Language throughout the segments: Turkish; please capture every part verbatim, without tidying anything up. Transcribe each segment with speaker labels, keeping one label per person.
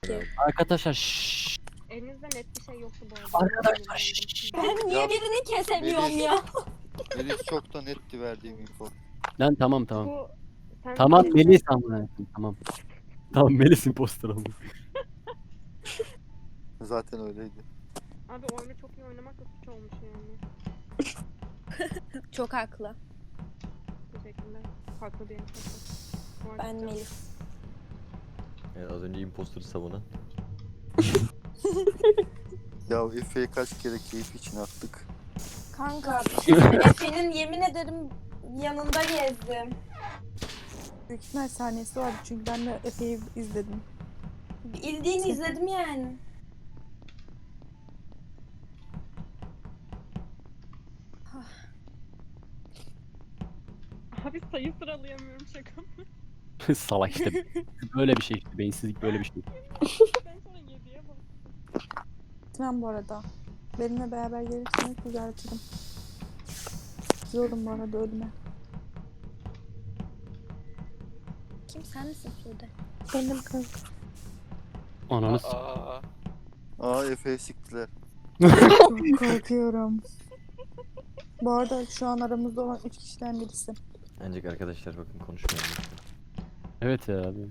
Speaker 1: ki.
Speaker 2: Arkadaşlar şşş.
Speaker 3: Elinizde net bir şey yoktu bu arada.
Speaker 2: Arkadaşlar şşş.
Speaker 1: Ben niye
Speaker 4: Ya,
Speaker 1: birini kesemiyorum
Speaker 4: Melis.
Speaker 1: ya?
Speaker 4: Melis çok da netti verdiğim info.
Speaker 2: Lan tamam tamam.
Speaker 3: Bu sen
Speaker 2: Tamam
Speaker 3: Melis'e-
Speaker 2: Melis amına. Tamam. Tamam Melis imposter ama.
Speaker 4: Zaten öyleydi.
Speaker 3: Abi oyunu çok iyi oynamak da suç olmuş yani.
Speaker 1: Çok haklı.
Speaker 3: Teşekkürler. Farklı bir info.
Speaker 1: Ben Melis.
Speaker 5: Evet, az önce imposter'ı savunan.
Speaker 4: Ya Efe'yi kaç kere keyif için attık.
Speaker 1: Kanka Efe'nin yemin ederim yanında gezdim.
Speaker 6: Büyük ihtimal saniyesi vardı çünkü ben de Efe'yi izledim.
Speaker 1: Bildiğin izledim yani.
Speaker 3: Abi sayı sıralayamıyorum şaka mı?
Speaker 2: Salak işte. Böyle bir şey işte. Beyinsizlik böyle bir şey.
Speaker 3: Ben sonra yediye bak.
Speaker 6: Gitmem bu arada. Benimle beraber gelirseniz düzeltirim. Gidiyorum bu arada ölüme.
Speaker 1: Kim sen misin Sude?
Speaker 6: Benim kız.
Speaker 2: Ananı s-
Speaker 7: Aa,
Speaker 4: Aa Efe'yi siktiler.
Speaker 6: Çok korkuyorum. Bu arada şu an aramızda olan üç kişiden birisi.
Speaker 5: Ancak arkadaşlar bakın konuşmayalım. lütfen.
Speaker 2: Evet ya abi.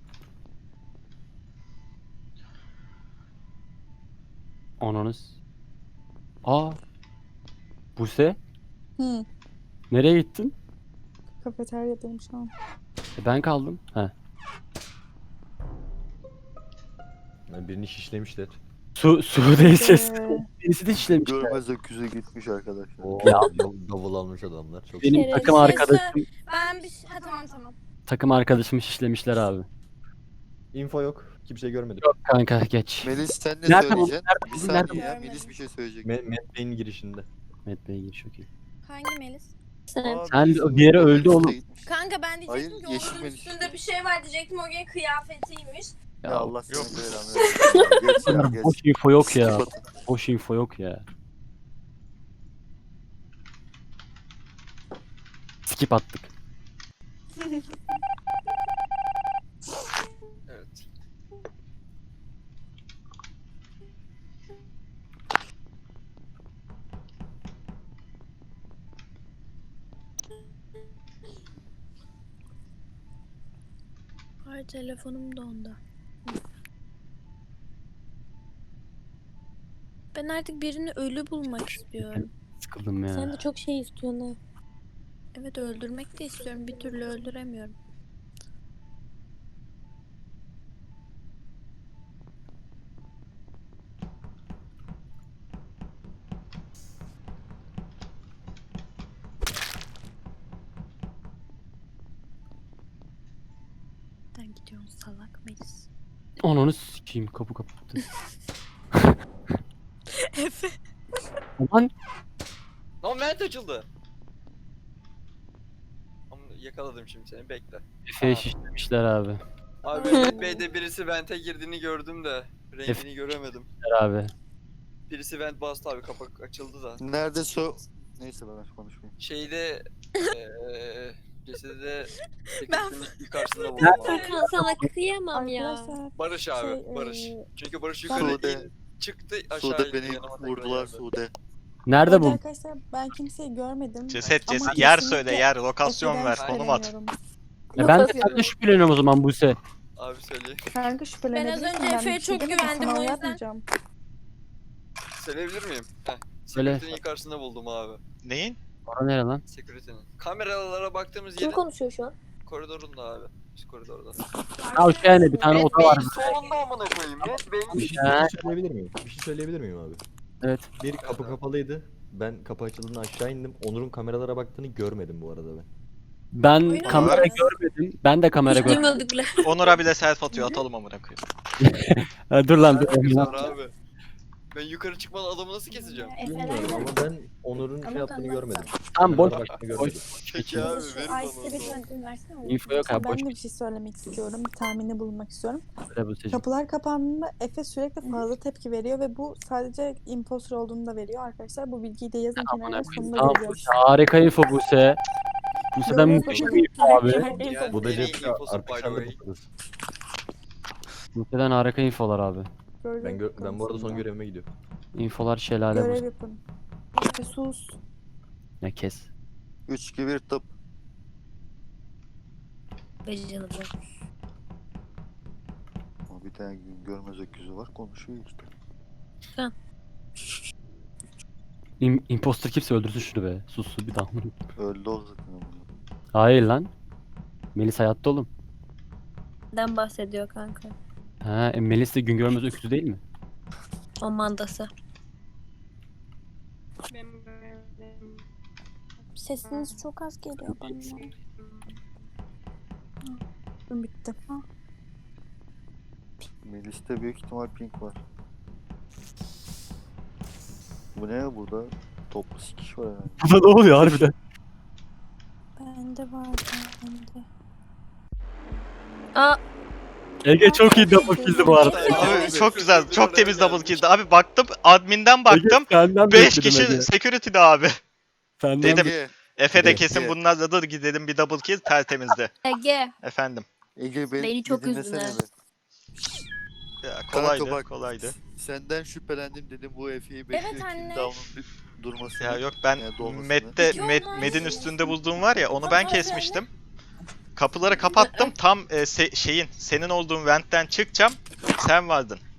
Speaker 2: Ananız. Aa. Buse?
Speaker 6: Hı.
Speaker 2: Nereye gittin?
Speaker 6: Kafeteryadayım şu an.
Speaker 2: E, ben kaldım. He.
Speaker 5: Yani birini şişlemişler.
Speaker 2: Su, Sude'yi ses.
Speaker 6: Ee,
Speaker 2: Birisi de işlemiş.
Speaker 4: Görmez öküze gitmiş arkadaşlar.
Speaker 5: Oo,
Speaker 2: Ya.
Speaker 5: dav- davul almış adamlar. Çok
Speaker 2: Benim
Speaker 1: Kere
Speaker 2: takım
Speaker 1: bir şey
Speaker 2: arkadaşım,
Speaker 1: Ben bir şey... Ha tamam tamam.
Speaker 2: takım arkadaşımı şişlemişler abi.
Speaker 5: info yok. Kimse görmedi.
Speaker 2: Kanka geç.
Speaker 4: Melis sen ne
Speaker 2: Nerede bu?
Speaker 4: söyleyeceksin? Bir
Speaker 2: Nerede
Speaker 4: saniye ya
Speaker 1: bu?
Speaker 4: Melis bir şey söyleyecek.
Speaker 5: Me Medbay'in girişinde.
Speaker 2: Met Bey gir çok iyi.
Speaker 1: Hangi Melis?
Speaker 4: Aa,
Speaker 2: Sen
Speaker 4: Melis
Speaker 2: bir yere
Speaker 4: bu-
Speaker 2: öldü
Speaker 4: Melis de
Speaker 2: oğlum.
Speaker 4: gitmiş.
Speaker 1: Kanka ben diyecektim
Speaker 4: Hayır,
Speaker 1: ki
Speaker 4: yeşil
Speaker 1: onun
Speaker 4: Melis.
Speaker 1: üstünde bir şey var diyecektim. O gün kıyafetiymiş.
Speaker 4: Ya
Speaker 2: Ya,
Speaker 4: Allah seni
Speaker 7: yok.
Speaker 4: belanı versin. Geç ya
Speaker 2: Bunlar
Speaker 4: geç.
Speaker 2: boş info yok ya.
Speaker 4: Skip atın.
Speaker 2: Boş info yok ya. Skip attık.
Speaker 7: evet.
Speaker 1: Ay telefonum dondu. Ben artık birini ölü bulmak istiyorum.
Speaker 2: Sıkıldım ya.
Speaker 1: Sen de çok şey istiyorsun ha. Evet öldürmek de istiyorum. Bir türlü öldüremiyorum. Nereden gidiyorsun salak Melis?
Speaker 2: Ananı sikeyim kapı kapattı.
Speaker 1: Efe.
Speaker 2: Aman
Speaker 7: Lan vent açıldı. Ama yakaladım şimdi seni bekle.
Speaker 2: Efe'ye şişlemişler abi.
Speaker 7: Abi Mehmet Bey'de birisi vente girdiğini gördüm de rengini
Speaker 2: Efe-
Speaker 7: göremedim.
Speaker 2: Abi.
Speaker 7: Birisi vent bastı abi kapak açıldı da.
Speaker 4: Nerede so... Neyse ben konuşmayayım.
Speaker 7: Şeyde eee cesedi de
Speaker 1: Ben-
Speaker 7: sekreterin yukarısında buldum abi.
Speaker 1: Furkan sana kıyamam ya.
Speaker 6: Arkadaşlar
Speaker 7: Barış abi
Speaker 6: Şey,
Speaker 7: Barış.
Speaker 6: eee,
Speaker 7: Çünkü Barış
Speaker 6: ben-
Speaker 7: yukarı
Speaker 4: Sude.
Speaker 7: in, çıktı aşağı
Speaker 4: Sude
Speaker 7: indi,
Speaker 4: beni
Speaker 7: yanıma tekrar
Speaker 4: vurdular
Speaker 7: geldi.
Speaker 4: Sude.
Speaker 2: Nerede
Speaker 6: bu
Speaker 2: bu?
Speaker 6: arkadaşlar ben kimseyi görmedim.
Speaker 8: Ceset
Speaker 6: Ama
Speaker 8: ceset yer
Speaker 6: kesinlikle
Speaker 8: söyle yer lokasyon
Speaker 6: Efe'den
Speaker 8: ver konum at.
Speaker 6: şüpheleniyorum.
Speaker 2: Ya ben de
Speaker 6: Lokasyon-
Speaker 2: senden şüpheleniyorum o zaman Buse.
Speaker 7: Abi söyleyeyim.
Speaker 6: Kanka şüphelenebilirsin.
Speaker 1: Ben az önce Efe'ye
Speaker 6: bir şey
Speaker 1: çok
Speaker 6: demedim,
Speaker 1: güvendim,
Speaker 6: sana
Speaker 1: o yüzden.
Speaker 6: yapmayacağım.
Speaker 7: Söyleyebilir miyim? Heh.
Speaker 2: Söyle.
Speaker 7: Sekreterin yukarısında buldum abi.
Speaker 8: Neyin?
Speaker 2: Bana nere lan?
Speaker 7: Sekreterin. Kameralara baktığımız
Speaker 1: Kim
Speaker 7: yerin
Speaker 1: konuşuyor şu an?
Speaker 7: koridorunda abi. Üst koridorda.
Speaker 2: Ha o şey yani bir tane
Speaker 7: Net
Speaker 2: oda var.
Speaker 7: Bey'in solunda amına koyayım. Net Bey'in
Speaker 5: Bir şey,
Speaker 2: Ya.
Speaker 5: bir şey söyleyebilir miyim? Bir şey söyleyebilir miyim abi?
Speaker 2: Evet.
Speaker 5: Bir kapı kapalıydı. Ben kapı açıldığında aşağı indim. Onur'un kameralara baktığını görmedim bu arada ben.
Speaker 2: Ben
Speaker 1: Oyun
Speaker 2: kamera
Speaker 1: oynuyoruz.
Speaker 2: görmedim. Ben de kamera
Speaker 1: Hiç
Speaker 2: görmedim.
Speaker 1: duymadık bile.
Speaker 8: Onur'a bile self atıyor atalım amına koyayım.
Speaker 2: Ha, dur lan dur.
Speaker 7: alakası
Speaker 2: lan.
Speaker 7: var abi. Ben yukarı çıkmadan adamı nasıl keseceğim?
Speaker 5: Bilmiyorum ama ben Onur'un şey yaptığını görmedim.
Speaker 2: Tamam boş.
Speaker 5: Kameralara baktığını
Speaker 2: boş.
Speaker 5: görmedim.
Speaker 7: Peki abi
Speaker 1: Şu
Speaker 7: verin
Speaker 1: Ice'de
Speaker 7: bana.
Speaker 1: bir
Speaker 7: onu.
Speaker 1: tane versene.
Speaker 2: Info yok abi
Speaker 6: Ben
Speaker 2: boş.
Speaker 6: de bir şey söylemek istiyorum. Bir tahminde bulunmak istiyorum.
Speaker 2: Böyle Buse'cim.
Speaker 6: Kapılar kapandığında Efe sürekli fazla tepki veriyor ve bu sadece imposter olduğunu da veriyor arkadaşlar. Bu bilgiyi de yazın kenara sonunda
Speaker 2: Tamam
Speaker 6: göreceğiz.
Speaker 2: Buse harika info Buse. Buse'den
Speaker 6: Görüyoruz
Speaker 2: müthiş
Speaker 6: bakalım.
Speaker 2: bir info abi.
Speaker 7: Yani
Speaker 5: Bu da
Speaker 7: en iyi
Speaker 5: cep
Speaker 7: infosu by the
Speaker 5: arkadaşlarla
Speaker 7: way.
Speaker 5: toplarız.
Speaker 2: Muhtemelen harika infolar abi.
Speaker 6: Görev
Speaker 5: Ben gö- ben bu arada son
Speaker 6: konusunda.
Speaker 5: görevime gidiyorum.
Speaker 2: İnfolar şelale
Speaker 6: Görev
Speaker 2: bu.
Speaker 6: yapın. Efe sus.
Speaker 2: Ne kes.
Speaker 4: üç iki bir tıp.
Speaker 1: Becerilir.
Speaker 4: Ama bir tane gün görmez öküzü var konuşuyor işte.
Speaker 2: İm imposter kimse öldürsün şunu be. Sus sus bir daha.
Speaker 4: Öldü o zaten. ama.
Speaker 2: Hayır lan. Melis hayatta oğlum.
Speaker 1: Neden bahsediyor kanka?
Speaker 2: Ha, e, Melis de gün görmez öküzü değil mi?
Speaker 1: O mandası.
Speaker 3: Benim görevlerim.
Speaker 6: Sesiniz çok az geliyor bana. Hı, bitti.
Speaker 4: Melis'te büyük ihtimal pink var. Bu ne burada? Toplu sikiş var yani.
Speaker 2: Burada ne oluyor harbiden?
Speaker 6: Bende var. Bende.
Speaker 1: Aa,
Speaker 2: Ege çok iyi double kill'di bu arada.
Speaker 8: Abi çok güzel. Çok temiz double kill'di. Abi baktım admin'den baktım.
Speaker 2: Ege, senden
Speaker 8: beş
Speaker 2: bekledim
Speaker 8: kişi
Speaker 2: Ege.
Speaker 8: security'de abi.
Speaker 2: Senden
Speaker 8: Dedim.
Speaker 4: Ege,
Speaker 8: Efe de
Speaker 2: Ege.
Speaker 8: kesin bunlarla da gidelim bir double kill tertemizdi.
Speaker 1: Ege.
Speaker 8: Efendim.
Speaker 4: Ege beni,
Speaker 1: Beni çok
Speaker 4: bir dinlesene
Speaker 1: üzdün ha.
Speaker 4: be.
Speaker 8: Ya,
Speaker 4: Kanka
Speaker 8: kolaydı,
Speaker 4: bak,
Speaker 8: kolaydı.
Speaker 4: Senden şüphelendim dedim bu Efe'yi bekliyor.
Speaker 6: anne.
Speaker 4: Down'un durmasını.
Speaker 8: Ya yok ben
Speaker 4: Yani dolmasını.
Speaker 8: Med'de
Speaker 6: İki
Speaker 8: Med,
Speaker 6: olmaz.
Speaker 8: Med'in üstünde bulduğum var ya onu ben kesmiştim. Kapıları kapattım tam e, se- şeyin senin olduğun ventten çıkacağım. Sen vardın.